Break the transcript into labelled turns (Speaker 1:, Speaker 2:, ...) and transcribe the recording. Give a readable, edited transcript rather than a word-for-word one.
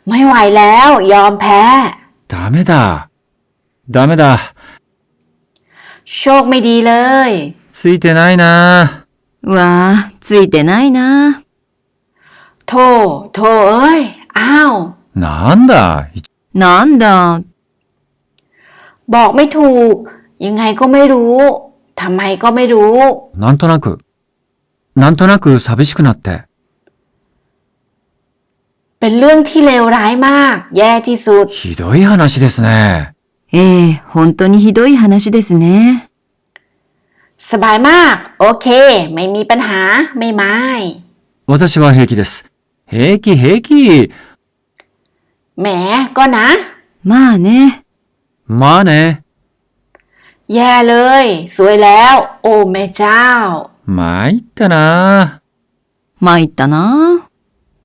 Speaker 1: ไม่ไหวแล้วยอมแพ้
Speaker 2: ダメだ。ダメだ。
Speaker 1: โชคไม่ดีเลย
Speaker 2: ついてないな。
Speaker 3: わあ、ついてないな。
Speaker 1: โธ่โธ่เอ้ย อ้าว
Speaker 2: なんだ。
Speaker 3: なんだ。
Speaker 1: บอกไม่ถูก ยังไงก็ไม่รู้ ทำไมก็ไม่รู้
Speaker 2: なんとなく寂しくなって。
Speaker 1: เป็นเรื่องที่เลวร้ายมาก แย่ที่สุด
Speaker 2: ひどい話ですね。
Speaker 3: ええ、本当にひどい話ですね。
Speaker 1: สบายมาก โอเค ไม่มีปัญหา ไม่ไม่
Speaker 2: 私は平気です。平気平気。
Speaker 1: แหมก็นะ
Speaker 3: まあね。
Speaker 2: まあね。
Speaker 1: แย่เลย สวยแล้ว โอ้แม่เจ้า
Speaker 2: 参ったな。
Speaker 3: 参ったな。